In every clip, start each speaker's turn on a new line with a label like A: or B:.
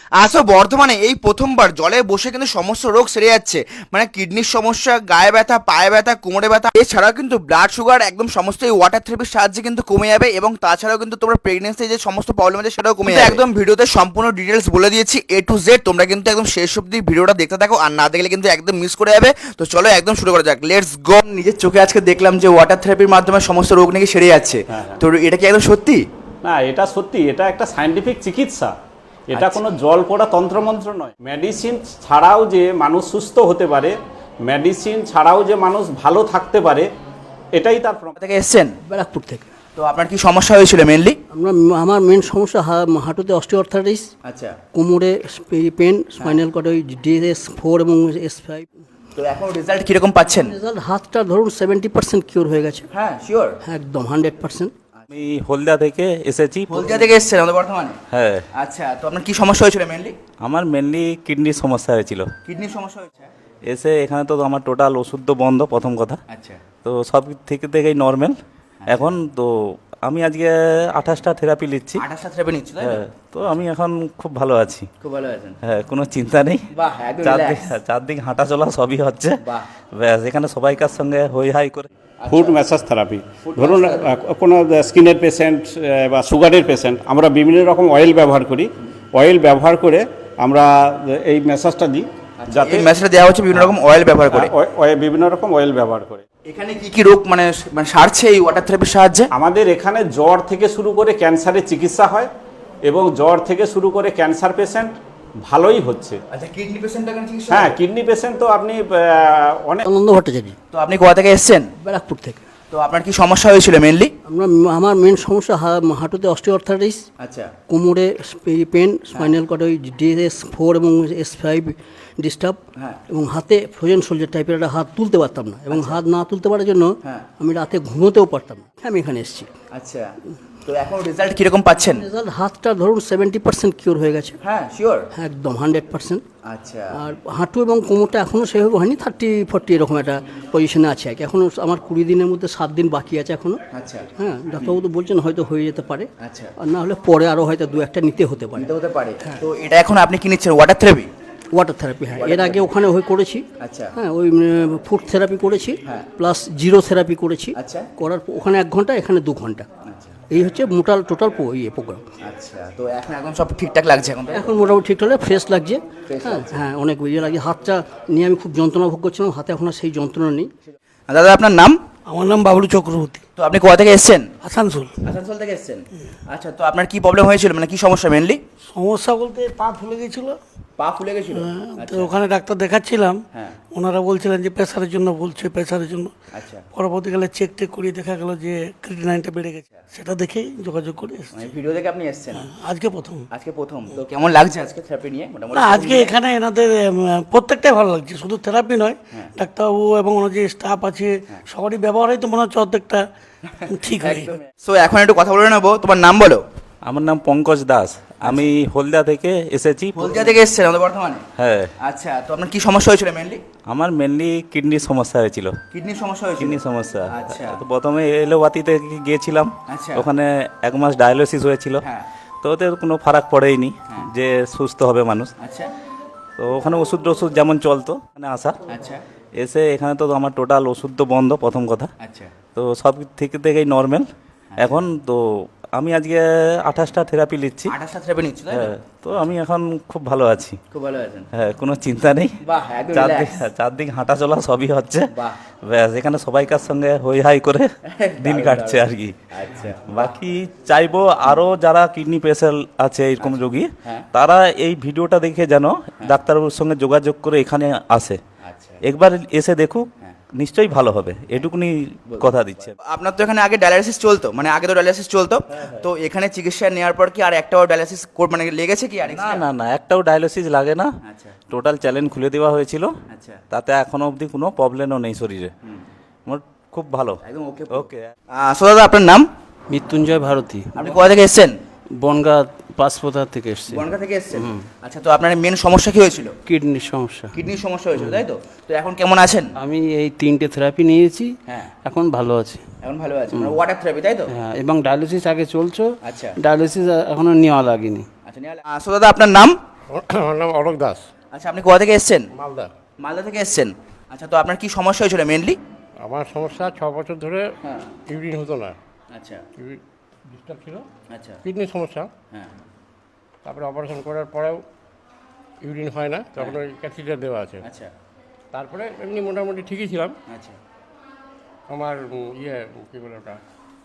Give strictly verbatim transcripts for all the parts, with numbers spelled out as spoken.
A: আসো বর্তমানে এই প্রথমবার জলে বসে কিন্তু সমস্ত রোগ সেরে যাচ্ছে, মানে কিডনির সমস্যা, গায়ে ব্যথা, পায়ে ব্যথা, কোমরে ব্যথা, এছাড়াও কিন্তু ব্লাড সুগার একদম সমস্ত এই ওয়াটার থেরাপির সাহায্যে কিন্তু কমে যাবে। এবং তাছাড়াও কিন্তু তোমরা প্রেগনেন্সি যে সমস্ত প্রবলেম আছে সেটাও কমে যাবে। একদম ভিডিওতে সম্পূর্ণ ডিটেলস বলে দিয়েছি এ টু জেড। তোমরা কিন্তু একদম শেষ অবধি ভিডিওটা দেখতে থাকো, আর না দেখলে কিন্তু একদম মিস করে যাবে। তো চলো একদম শুরু করা যাক, লেটস গো। নিজের চোখে আজকে দেখলাম যে ওয়াটার থেরাপির মাধ্যমে সমস্ত রোগ নাকি সেরে যাচ্ছে, তো এটা কি একদম সত্যি?
B: না, এটা সত্যি, এটা একটা সায়েন্টিফিক চিকিৎসা। এটা কোনো জল পড়া তন্ত্রমন্ত্র নয়। মেডিসিন ছাড়াও যে মানুষ সুস্থ হতে পারে, মেডিসিন ছাড়াও যে মানুষ ভালো থাকতে পারে, এটাই তার প্রমাণ।
A: থেকে এসছেন
C: ব্যারাকপুর থেকে।
A: তো আপনার কি সমস্যা হয়েছিল মেনলি?
C: আমরা আমার মেন সমস্যা হা- হাঁটুতে অস্টিওআর্থ্রাইটিস,
A: আচ্ছা,
C: কোমরে পেন, স্পাইনাল কর্ডে ওই ডিএস ফোর এবং এস ফাইভ।
A: তো এখন রেজাল্ট কিরকম পাচ্ছেন?
C: রেজাল্ট হাতটা ধরুন সেভেন্টি পার্সেন্ট কিওর হয়ে গেছে।
A: হ্যাঁ শিওর,
C: একদম হান্ড্রেড পার্সেন্ট।
B: আমি হলদিয়া থেকে এসেছি।
A: হলদিয়া থেকে এসছেন আমাদের বর্তমানে?
B: হ্যাঁ।
A: আচ্ছা, তো আপনার কি সমস্যা হয়েছিল মেনলি?
B: আমার মেনলি কিডনির সমস্যা হয়েছিল।
A: কিডনির সমস্যা হয়েছে?
B: এসে এখানে তো আমার টোটাল ওষুধ তো বন্ধ, প্রথম কথা।
A: আচ্ছা,
B: তো সব থেকে থেকেই নর্মাল এখন। তো আমি আজকে আঠাশটা থেরাপি নিচ্ছি।
A: আঠাশটা থেরাপি নিচ্ছি, তাই তো?
B: হ্যাঁ, তো আমি এখন খুব ভালো আছি।
A: খুব ভালো আছেন?
B: হ্যাঁ, কোনো চিন্তা নেই।
A: বাহ, একদম
B: চারদিক
A: relax।
B: চারদিক হাঁটা চলা সবই হচ্ছে।
A: বাহ।
B: ব্যাস, এখানে সবাইকার সঙ্গে হই হাই করে।
D: ফুড ম্যাসাজ থেরাপি, ধরুন আহ, কোনো স্কিনের পেশেন্ট বা সুগারের পেশেন্ট, আমরা বিভিন্ন রকম অয়েল ব্যবহার করি। অয়েল ব্যবহার করে আমরা এই ম্যাসাজটা দিই, যাতে
A: এই মেসেজটা দেওয়া হচ্ছে বিভিন্ন রকম অয়েল ব্যবহার করে।
D: আহ, অয়ে- বিভিন্ন রকম অয়েল ব্যবহার করে।
A: এখানে কি কি রোগ মানে মানে সারছে এই ওয়াটার থেরাপির সাহায্যে?
D: আমাদের এখানে জ্বর থেকে শুরু করে ক্যান্সারের চিকিৎসা হয়, এবং জ্বর থেকে শুরু করে ক্যান্সার পেশেন্ট ভালোই হচ্ছে।
A: আচ্ছা, কিডনি পেশেন্টটা কেন চিকিৎসা?
D: হ্যাঁ, কিডনি পেশেন্ট তো আপনি আহ, অনেক।
C: আনন্দ ভট্টাচার্য,
A: তো আপনি কোথা থেকে এসছেন?
C: ব্যারাকপুর থেকে।
A: তো আপনার কি সমস্যা হয়েছিল মেনলি?
C: আমরা আমার মেন সমস্যা হা- হাঁটুতে অস্টিওআর্থ্রাইটিস,
A: আচ্ছা,
C: কোমরে পেন, স্পাইনাল কর্ডে ওই ডিএস ফোর এবং এস ফাইভ ডিস্টার্ব,
A: হ্যাঁ।
C: এবং হাতে ফ্রোজেন সোলজার টাইপের একটা হাত তুলতে পারতাম না, এবং হাত না তুলতে পারার জন্য
A: হ্যাঁ।
C: আমি রাতে ঘুমোতেও পারতাম না। আমি এখানে এসেছি।
A: আচ্ছা, তো এখন রেজাল্ট কিরকম পাচ্ছেন?
C: রেজাল্ট হাতটা ধরুন সেভেন্টি পার্সেন্ট কিওর হয়ে গেছে।
A: হ্যাঁ শিওর,
C: একদম হান্ড্রেড পার্সেন্ট।
A: আচ্ছা,
C: আর হাঁটু এবং কোমরটা এখনও সেভাবে হয়নি, থার্টি ফোর্টি এরকম একটা পজিশনে আছে আর কি। এখনও আমার কুড়ি দিনের মধ্যে সাত দিন বাকি আছে এখনও।
A: আচ্ছা,
C: হ্যাঁ, ডাক্তারবাবু তো বলছেন হয়তো হয়ে যেতে পারে,
A: আচ্ছা,
C: আর না হলে পরে আরও হয়তো দু একটা নিতে হতে পারে।
A: নিতে হতে পারে। তো এটা এখন আপনি কি নিচ্ছেন ওয়াটার থেরাপি?
C: ওয়াটার থেরাপি, হ্যাঁ, এর আগে ওখানে হয়ে করেছি।
A: আচ্ছা,
C: হ্যাঁ, ওই ফুড থেরাপি করেছি,
A: হ্যাঁ।
C: প্লাস জিরো থেরাপি করেছি।
A: আচ্ছা।
C: করার পর ওখানে এক ঘন্টা, এখানে দু ঘন্টা।
A: আচ্ছা,
C: এই হচ্ছে মোটাল টোটাল ইয়ে প্রোগ্রাম।
A: আচ্ছা, তো এখন একদম সব ঠিকঠাক লাগছে এখন?
C: এখন মোটামুটি ঠিক হলে ফ্রেশ লাগছে।
A: Fresh
C: হ্যাঁ
A: লাগছে।
C: হ্যাঁ, অনেক ইয়ে লাগে। হাতটা নিয়ে আমি খুব যন্ত্রণা ভোগ করছিলাম, হাতে এখন আর সেই যন্ত্রণা নেই।
A: দাদা আপনার নাম?
C: আমার নাম বাবলু চক্রবর্তী,
A: তো আপনি কোথা থেকে এসছেন?
C: আসানসোল।
A: আসানসোল থেকে এসছেন? আচ্ছা, তো আপনার কি প্রবলেম হয়েছিল, মানে কি সমস্যা মেনলি?
E: সমস্যা বলতে পা ফুলে গেছিল,
A: পা ফুলে গেছিল?
E: তো ওখানে ডাক্তার দেখাচ্ছিলাম।
A: হ্যাঁ।
E: ওনারা বলছিলেন যে প্রেশারের জন্য, বলছে প্রেশারের জন্য।
A: আচ্ছা,
E: পরবর্তীকালে চেক টেক করিয়ে দেখা গেল যে ক্রিটিনাইনটা বেড়ে গেছে, সেটা দেখেই যোগাযোগ করে এসেছি।
A: মানে ভিডিও দেখে আপনি এসছেন
E: আজকে প্রথম।
A: আজকে প্রথম? তো কেমন লাগছে আজকে থেরাপি নিয়ে মোটামুটি?
E: না, আজকে এখানে এনাদের উম, প্রত্যেকটাই ভালো লাগছে, শুধু থেরাপি নয়, ডাক্তারবাবু এবং ওনার যে স্টাফ আছে সবারই ব্যবহার হয়, তো মনে হচ্ছে অর্ধেকটা ঠিক হয়ে গেছে।
A: সো এখন একটু কথা বলে নেবো, তোমার নাম বলো।
B: আমার নাম পঙ্কজ দাস, আমি হলদিয়া থেকে এসেছি।
A: হলদিয়া থেকে এসছেন আমাদের বর্তমানে?
B: হ্যাঁ।
A: আচ্ছা, তো আপনার কি সমস্যা হয়েছিল মেনলি?
B: আমার মেনলি কিডনির সমস্যা হয়েছিল।
A: কিডনির সমস্যা হয়েছিল?
B: কিডনির সমস্যা।
A: আচ্ছা।
B: তো প্রথমে এলোপাতিতে গিয়েছিলাম।
A: আচ্ছা।
B: ওখানে এক মাস ডায়ালিসিস হয়েছিল।
A: হ্যাঁ।
B: তো ওতে কোনো ফারাক পড়েইনি যে সুস্থ হবে মানুষ।
A: আচ্ছা,
B: তো ওখানে ওষুধ টষুধ যেমন চলতো, মানে আসা
A: আচ্ছা,
B: এসে এখানে তো আমার টোটাল ওষুধ তো বন্ধ, প্রথম কথা।
A: আচ্ছা,
B: তো সব থেকে থেকেই নর্মাল এখন। তো আমি আজকে আঠাশটা থেরাপি নিচ্ছি।
A: আঠাশটা থেরাপি নিচ্ছি, তাই তো?
B: হ্যাঁ, তো আমি এখন খুব ভালো আছি।
A: খুব ভালো আছেন?
B: হ্যাঁ, কোনো চিন্তা নেই।
A: বাহ, একদম
B: চারদিক
A: relax।
B: চারদিক হাঁটা চলা সবই হচ্ছে।
A: বাহ।
B: ব্যাস, এখানে সবাইকার সঙ্গে হই হাই করে দিন
A: দারুণ,
B: কাটছে আর কি।
A: আচ্ছা,
B: বাকি চাইবো আরো যারা কিডনি পেশেন্ট আছে এরকম রোগী,
A: হ্যাঁ।
B: তারা এই ভিডিওটা দেখে যেন ডাক্তারবাবুর সঙ্গে যোগাযোগ করে এখানে আসে,
A: আচ্ছা।
B: একবার এসে দেখুক, নিশ্চয়ই ভালো হবে, এটুকুনি কথা দিচ্ছে।
A: আপনার তো এখানে আগে ডায়ালিসিস চলতো, মানে আগে তো ডায়ালিসিস চলতো, তো এখানে চিকিৎসা নেওয়ার পর কি আর একটাও ডায়ালিসিস মানে লেগেছে কি আর?
B: না না না, একটাও ডায়ালিসিস লাগে না।
A: আচ্ছা,
B: টোটাল চ্যালেঞ্জ খুলে দেওয়া হয়েছিল,
A: আচ্ছা,
B: তাতে এখনো অবধি কোনো প্রবলেমও নেই শরীরে। মোট খুব ভালো,
A: একদম ওকে।
B: ওকে।
A: সো দাদা আপনার নাম?
F: মৃত্যুঞ্জয় ভারতী,
A: আপনি কোথা থেকে এসছেন?
F: বনগাঁ পাঁচপোতা থেকে এসেছি।
A: বনগাঁ থেকে এসছেন? আচ্ছা, তো আপনার মেন সমস্যা কি হয়েছিল?
F: কিডনির সমস্যা।
A: কিডনির সমস্যা হয়েছিল, তাই তো? তো এখন কেমন আছেন?
F: আমি এই তিনটে থেরাপি নিয়েছি,
A: হ্যাঁ।
F: এখন ভালো আছি।
A: এখন ভালো আছেন, মানে ওয়াটার থেরাপি, তাই তো?
F: হ্যাঁ, এবং ডায়ালিসিস আগে চলছে।
A: আচ্ছা,
F: ডায়ালিসিস এখনো নেওয়া লাগেনি।
A: আচ্ছা, সো দাদা আপনার নাম?
G: আমার নাম অলোক দাস,
A: আচ্ছা, আপনি কোথা থেকে এসেছেন?
G: মালদা।
A: মালদা থেকে এসেছেন। আচ্ছা, তো আপনার কি সমস্যা হয়েছিল মেনলি?
G: আমার সমস্যা ছ বছর ধরে ইউরিন হতো না,
A: আচ্ছা
G: ইউরিন ডিস্টার্ব ছিল,
A: আচ্ছা
G: কিডনির সমস্যা।
A: হ্যাঁ
G: তারপরে অপারেশন করার পরেও ইউরিন হয় না, তখন ওই ক্যাথিটার দেওয়া আছে।
A: আচ্ছা
G: তারপরে এমনি মোটামুটি ঠিকই ছিলাম।
A: আচ্ছা
G: আমার উম, ইয়ে কী বলে ওটা,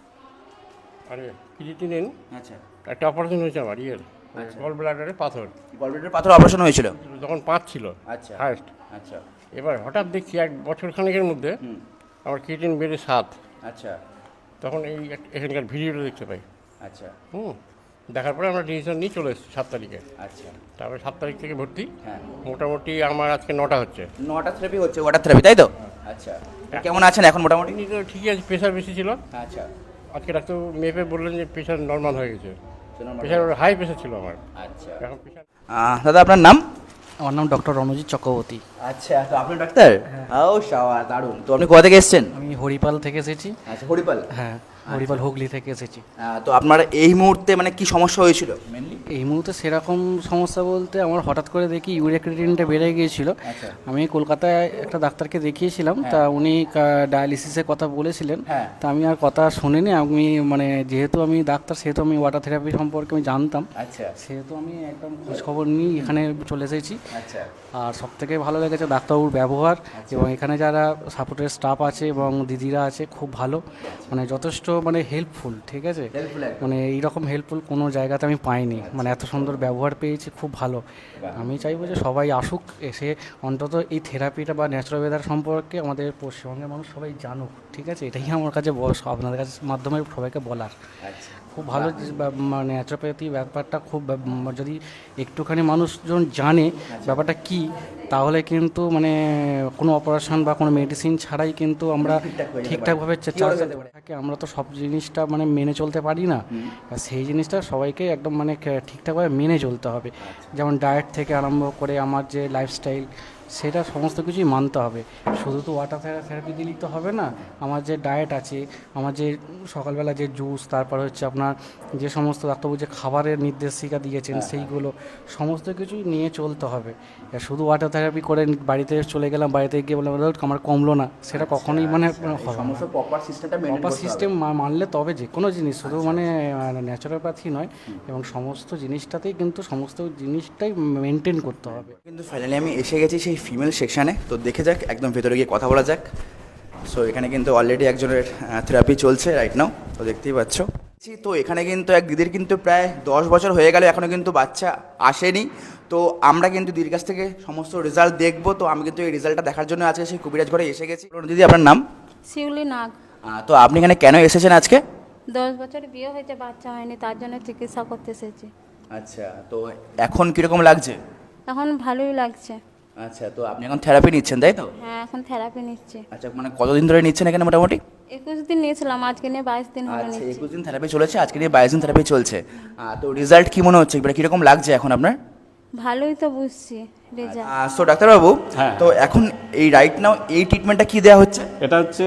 G: আরে ক্রিয়েটিনিন,
A: আচ্ছা
G: একটা অপারেশন হয়েছে আমার ইয়ের গল ব্লাডারে পাথর,
A: গলব্লাডার পাথর অপারেশন হয়েছিল।
G: যখন পাঁচ ছিল
A: আচ্ছা
G: হায়েস্ট।
A: আচ্ছা
G: এবার হঠাৎ দেখছি এক বছর খানেকের মধ্যে আমার ক্রিয়েটিন বেড়ে সাত।
A: আচ্ছা
G: তখন এই এক- এখানকার ভিডিওটা দেখতে পাই।
A: আচ্ছা
G: হুম, দেখার পরে আমরা ডিসিশন নিয়ে চলে এসেছি সাত তারিখে।
A: আচ্ছা
G: তারপরে সাত তারিখ থেকে ভর্তি।
A: হ্যাঁ
G: মোটামুটি আমার আজকে নটা হচ্ছে।
A: নটা থেরাপি হচ্ছে, ওয়াটার থেরাপি, তাই তো? আচ্ছা, কেমন আছেন এখন মোটামুটি?
G: এমনি তো ঠিকই আছে, প্রেশার বেশি ছিল।
A: আচ্ছা
G: আজকে ডাক্তার মেপে বললেন যে প্রেশার নর্মাল হয়ে গেছে। প্রেশার হাই প্রেশার ছিল আমার,
A: আচ্ছা
G: এখন প্রেশার।
A: আহ, দাদা আপনার নাম?
C: আমার নাম ডক্টর রণজিৎ চক্রবর্তী।
A: আচ্ছা, তো আপনি ডাক্তার? ও শাওয়া, দারুণ। তো আপনি কোথা থেকে এসেছেন?
C: আমি হরিপাল থেকে এসেছি।
A: আচ্ছা, হরিপাল।
C: হ্যাঁ, হরিপাল হুগলি থেকে এসেছি।
A: আহ, তো আপনার এই মুহূর্তে মানে কি সমস্যা হয়েছিল মেনলি?
C: এই মুহূর্তে সেরকম সমস্যা বলতে আমার হঠাৎ করে দেখি ইউরিয়া ক্রিয়েটিনটা বেড়ে গিয়েছিল।
A: আচ্ছা
C: আমি কলকাতায় একটা ডাক্তারকে দেখিয়েছিলাম, তা উনি ডায়ালিসিসের কথা বলেছিলেন।
A: হ্যাঁ।
C: তা আমি আর কথা শুনিনি। আমি মানে যেহেতু আমি ডাক্তার, সেহেতু আমি ওয়াটার থেরাপি সম্পর্কে আমি জানতাম,
A: আচ্ছা
C: সেহেতু আমি একদম খোঁজখবর নিয়ে এখানে চলে এসেছি।
A: আচ্ছা
C: আর সব থেকে ভালো লেগেছে ডাক্তারবাবুর ব্যবহার, এবং এখানে যারা সাপোর্টের স্টাফ আছে এবং দিদিরা আছে খুব ভালো, মানে যথেষ্ট মানে হেল্পফুল। ঠিক আছে,
A: Helpful একদম।
C: মানে এইরকম হেল্পফুল কোনো জায়গাতে আমি পাইনি, মানে এত সুন্দর ব্যবহার পেয়েছি, খুব ভালো। আমি চাইবো যে সবাই আসুক, এসে অন্তত এই থেরাপিটা বা ন্যাচুরোপ্যাথি সম্পর্কে আমাদের পশ্চিমবঙ্গের মানুষ সবাই জানুক। ঠিক আছে, এটাই আমার কাছে বস আপনাদের কাছে মাধ্যমে সবাইকে বলার।
A: আচ্ছা
C: খুব ভালো যে বা- মানে ন্যাচুরোপ্যাথি ব্যাপারটা খুব বা- উম, যদি একটুখানি মানুষজন জানে ব্যাপারটা কি, তাহলে কিন্তু মানে কোনো অপারেশন বা কোনো মেডিসিন ছাড়াই কিন্তু আমরা ঠিকঠাকভাবে চা- চা- থাকে। আমরা তো সব জিনিসটা মানে মেনে চলতে পারি না, আর সেই জিনিসটা সবাইকে একদম মানে কে- ঠিকঠাকভাবে মেনে চলতে হবে। যেমন ডায়েট থেকে আরম্ভ করে আমার যে লাইফস্টাইল, সেটা সমস্ত কিছুই মানতে হবে। শুধু তো ওয়াটার থেরাপি দিলেই তো হবে না, আমার যে ডায়েট আছে, আমার যে সকালবেলা যে জুস, তারপর হচ্ছে আপনার যে সমস্ত ডাক্তারবাবু যে খাবারের নির্দেশিকা দিয়েছেন, সেইগুলো সমস্ত কিছুই নিয়ে চলতে হবে। আর শুধু ওয়াটার থেরাপি করে বাড়িতে চলে গেলাম, বাড়িতে গিয়ে বললাম "দাদা, আমার কমলো না", সেটা কখনোই মানে হবে না।
A: সমস্ত প্রপার সিস্টেমটা মেনটেন
C: প্রপার
A: করতে হবে।
C: সিস্টেম মানলে তবে যে কোনো জিনিস, শুধু মানে ন্যাচুরোপ্যাথি নয়, এবং সমস্ত জিনিসটাতেই কিন্তু সমস্ত জিনিসটাই মেনটেন করতে হবে।
A: কিন্তু ফাইনালি আমি এসে গেছি সেই ফিমেল সেকশানে, তো দেখে যাক, একদম ভেতরে গিয়ে কথা বলা যাক। সো এখানে কিন্তু অলরেডি একজনের থেরাপি চলছে রাইট নাও, তো দেখতেই পাচ্ছ। তো এখানে কিন্তু এক দিদির কিন্তু প্রায় দশ বছর হয়ে গেল, এখনও কিন্তু বাচ্চা আসেনি। তো আমরা কিন্তু দিদির কাছ থেকে সমস্ত রেজাল্ট দেখবো। তো আমি কিন্তু এই রেজাল্টটা দেখার জন্য আজকে সেই কবিরাজ ঘরে এসে গেছি। বলুন দিদি, আপনার নাম?
H: শিউলি নাগ।
A: আহ, তো আপনি এখানে কেন এসেছেন আজকে?
H: দশ বছর বিয়ে হয়েছে, বাচ্চা হয়নি, তার জন্য চিকিৎসা করতে এসেছি।
A: আচ্ছা, তো এখন কীরকম লাগছে?
H: এখন ভালোই লাগছে।
A: আচ্ছা, তো আপনি এখন থেরাপি নিচ্ছেন তাই তো?
H: হ্যাঁ, এখন থেরাপি নিচ্ছি।
A: আচ্ছা, মানে কতদিন ধরে নিচ্ছেন এখানে মোটামুটি?
H: একুশ দিন নিয়েছিলাম, আজকে নিয়ে বাইশ দিন হলো
A: আচ্ছা,
H: নিচ্ছি।
A: একুশ দিন থেরাপি চলেছে, আজকে নিয়ে বাইশ দিন থেরাপি চলছে। আহ, তো রেজাল্ট কি মনে হচ্ছে, এবারে কীরকম লাগছে এখন আপনার?
H: ভালোই তো বুঝছি রেজাল্ট।
A: সো ডাক্তারবাবু,
D: হ্যাঁ।
A: তো এখন এই রাইট নাও এই ট্রিটমেন্টটা কি দেওয়া হচ্ছে?
D: এটা হচ্ছে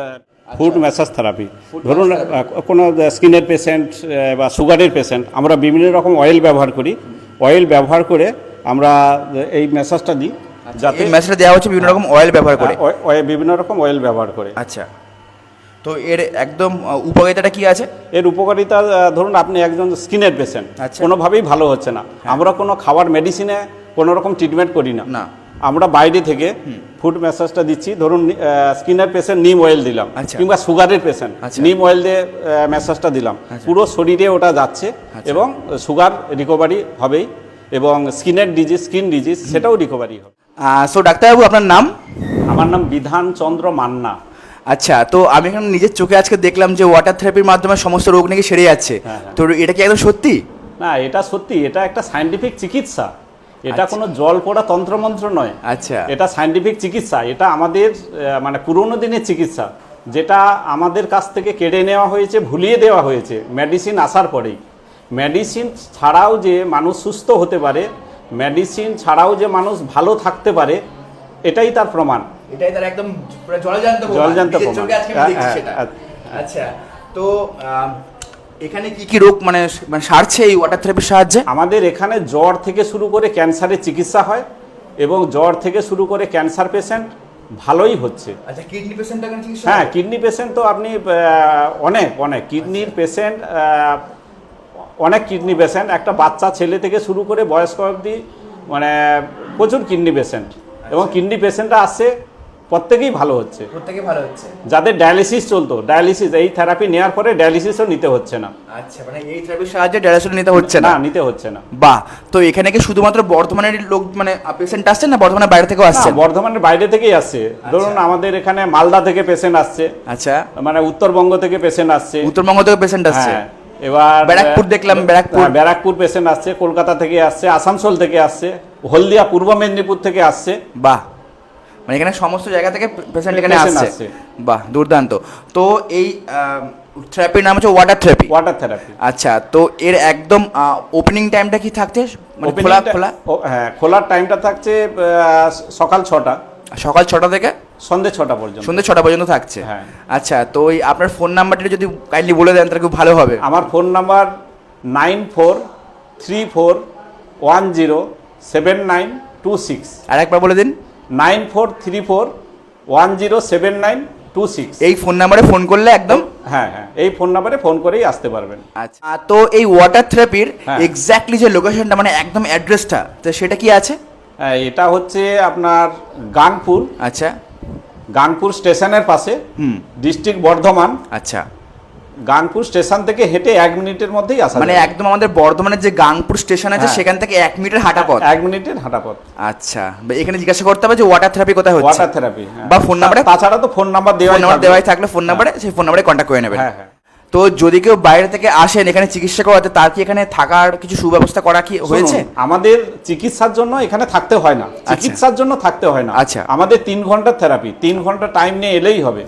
D: ফুড ম্যাসাজ থেরাপি। ধরুন আহ, কোনো স্কিনের পেশেন্ট বা সুগারের পেশেন্ট, আমরা বিভিন্ন রকম অয়েল ব্যবহার করি। অয়েল ব্যবহার করে আমরা এই ম্যাসাজটা দিই, যাতে
A: এই মেসেজটা দেওয়া হচ্ছে বিভিন্ন রকম অয়েল ব্যবহার করে।
D: আহ, অয়ে- অয়ে- বিভিন্ন রকম অয়েল ব্যবহার করে।
A: আচ্ছা, তো এর একদম আহ, উপকারিতাটা কি আছে?
D: এর উপকারিতা আহ, ধরুন আপনি একজন স্কিনের পেশেন্ট,
A: আচ্ছা।
D: কোনোভাবেই ভালো হচ্ছে না, আমরা কোনো খাবার মেডিসিনে কোনো রকম ট্রিটমেন্ট করি না।
A: না।
D: আমরা বাইরে থেকে ফুড ম্যাসাজটা দিচ্ছি। ধরুন স্কিনের পেশেন্ট নিম অয়েল দিলাম,
A: আচ্ছা।
D: কিংবা সুগারের পেশেন্ট
A: আচ্ছা।
D: নিম অয়েল দিয়ে ম্যাসাজটা দিলাম, পুরো শরীরে ওটা যাচ্ছে এবং সুগার রিকভারি হবেই, এবং স্কিনের ডিজিজ স্কিন ডিজিজ সেটাও রিকভারি হবে।
A: সো ডাক্তারবাবু, আপনার নাম?
D: আমার নাম বিধান চন্দ্র মান্না।
A: আচ্ছা, তো আমি এখন নিজের চোখে আজকে দেখলাম যে ওয়াটার থেরাপির মাধ্যমে সমস্ত রোগ নাকি সেরে যাচ্ছে।
D: হ্যাঁ, হ্যাঁ।
A: তো এটা কি একদম সত্যি?
D: না, এটা সত্যি, এটা একটা সায়েন্টিফিক চিকিৎসা। এটা কোনো জল পড়া তন্ত্রমন্ত্র নয়।
A: আচ্ছা।
D: এটা সায়েন্টিফিক চিকিৎসা। এটা আমাদের আহ, মানে পুরোনো দিনের চিকিৎসা, যেটা আমাদের কাছ থেকে কেড়ে নেওয়া হয়েছে, ভুলিয়ে দেওয়া হয়েছে মেডিসিন আসার পরেই। মেডিসিন ছাড়াও যে মানুষ সুস্থ হতে পারে, মেডিসিন ছাড়াও যে মানুষ ভালো থাকতে পারে, এটাই তার প্রমাণ।
A: এটাই তার একদম পুরো জলজান্ত প্রমাণ।
D: জলজান্ত
A: নিজের
D: প্রমাণ।
A: চোখে আজকে আমি
D: হ্যাঁ,
A: দেখছি
D: হ্যাঁ,
A: সেটা।
D: হ্যাঁ।
A: আচ্ছা, তো আহ, এখানে কি কি রোগ মানে মানে সারছে এই ওয়াটার থেরাপির সাহায্যে?
B: আমাদের এখানে জ্বর থেকে শুরু করে ক্যান্সারের চিকিৎসা হয় এবং জ্বর থেকে শুরু করে ক্যান্সার পেশেন্ট ভালোই হচ্ছে।
A: আচ্ছা, কিডনি পেশেন্টটা কেন চিকিৎসা?
B: হ্যাঁ, কিডনি পেশেন্ট তো আপনি আহ, অনেক অনেক কিডনির পেশেন্ট, অনেক কিডনি পেশেন্ট, একটা বাচ্চা ছেলে থেকে শুরু করে বয়স্ক অবধি মানে প্রচুর কিডনি পেশেন্ট, এবং কিডনি পেশেন্টরা আসছে প্রত্যেকেই ভালো হচ্ছে।
A: প্রত্যেকে ভালো হচ্ছে।
B: যাদের ডায়ালিসিস চলতো, ডায়ালিসিস এই থেরাপি নেওয়ার পরে ডায়ালিসিসও নিতে হচ্ছে না।
A: আচ্ছা, মানে এই থেরাপির সাহায্যে ডায়ালিসিস নিতে হচ্ছে
B: না,
A: না?
B: নিতে হচ্ছে না।
A: বাহ। তো এখানে কি শুধুমাত্র বর্ধমানের লোক মানে পেশেন্ট আসছে না বর্ধমানের বাইরে থেকেও আসছে?
B: না, বর্ধমানের বাইরে থেকেই আসছে। ধরুন আমাদের এখানে মালদা থেকে পেশেন্ট আসছে,
A: আচ্ছা,
B: মানে উত্তরবঙ্গ থেকে পেশেন্ট আসছে,
A: উত্তরবঙ্গ থেকে পেশেন্ট আসছে।
B: হ্যাঁ, এবার
A: ব্যারাকপুর দেখলাম, ব্যারাকপুর।
B: হ্যাঁ, ব্যারাকপুর পেশেন্ট আসছে, কলকাতা থেকে আসছে, আসানসোল থেকে আসছে, হলদিয়া পূর্ব মেদিনীপুর থেকে আসছে।
A: বাহ, মানে এখানে সমস্ত জায়গা থেকে পেশেন্ট এখানে
B: Patient
A: আসছে।
B: আসছে।
A: বাহ, দুর্দান্ত। তো এই থেরাপির নাম হচ্ছে ওয়াটার থেরাপি।
B: Water therapy.
A: আচ্ছা, তো এর একদম ওপেনিং টাইমটা কি থাকছে? মানে খোলা খোলা?
B: হ্যাঁ, খোলার টাইমটা থাকছে আহ, সকাল ছটা,
A: সকাল ছটা থেকে
B: সন্ধে ছটা পর্যন্ত।
A: সন্ধ্যে ছটা পর্যন্ত থাকছে।
B: হ্যাঁ।
A: আচ্ছা, তো ওই আপনার ফোন নাম্বারটা যদি কাইন্ডলি বলে দেন তাহলে খুব ভালো হবে।
B: আমার phone number nine four three four one zero seven nine two six.
A: আর একবার বলে দিন।
B: Nine four three four one zero seven nine two six.
A: এই ফোন নাম্বারে ফোন করলে একদম?
B: হ্যাঁ হ্যাঁ, এই ফোন নাম্বারে ফোন করেই আসতে পারবেন।
A: আচ্ছা, তো এই ওয়াটার থেরাপির
B: হ্যাঁ।
A: এক্স্যাক্টলি যে লোকেশনটা মানে একদম অ্যাড্রেসটা, তো সেটা কি আছে?
B: হ্যাঁ, এটা হচ্ছে আপনার গানপুর,
A: আচ্ছা।
B: গানপুর স্টেশনের পাশে,
A: হুম।
B: ডিস্ট্রিক্ট বর্ধমান।
A: আচ্ছা,
B: গানপুর স্টেশন থেকে হেঁটে এক মিনিটের মধ্যেই আসা
A: মানে
B: যাবে।
A: একদম আমাদের বর্ধমানের যে গাংপুর স্টেশন আছে
B: হ্যাঁ।
A: সেখান থেকে এক মিনিটের হাঁটা পথ।
B: এক মিনিটের হাঁটা পথ।
A: আচ্ছা, বা এখানে জিজ্ঞাসা করতে হবে যে ওয়াটার থেরাপি কোথায় হচ্ছে,
B: ওয়াটার থেরাপি
A: বা ফোন নাম্বারে,
B: তাছাড়া তো ফোন নাম্বার দেওয়া
A: ফোন নাম্বার দেওয়াই থাকলে ফোন নাম্বারে সেই ফোন নাম্বারে কন্ট্যাক্ট করে নেবেন।
B: হ্যাঁ হ্যাঁ।
A: তো যদি কেউ বাইরে থেকে আসেন এখানে চিকিৎসা করাতে, তার কি এখানে থাকার কিছু সুব্যবস্থা করা কি হয়েছে?
B: শুনুন, আমাদের চিকিৎসার জন্য এখানে থাকতে হয় না, চিকিৎসার জন্য থাকতে হয় না।
A: আচ্ছা।
B: আমাদের তিন ঘন্টার থেরাপি, তিন ঘন্টা টাইম নিয়ে এলেই হবে।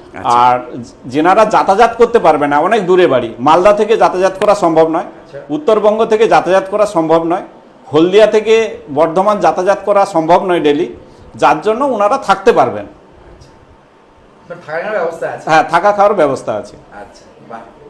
B: আর যেনারা যাতায়াত করতে পারবে না, অনেক দূরে বাড়ি, মালদা থেকে যাতায়াত করা সম্ভব নয়, উত্তরবঙ্গ থেকে যাতায়াত করা সম্ভব নয়, হলদিয়া থেকে বর্ধমান যাতায়াত করা সম্ভব নয় ডেলি, যার জন্য ওনারা থাকতে পারবেন।
A: থাকার ব্যবস্থা আছে?
B: হ্যাঁ, থাকা খাওয়ার ব্যবস্থা আছে।
A: আচ্ছা, বাহ।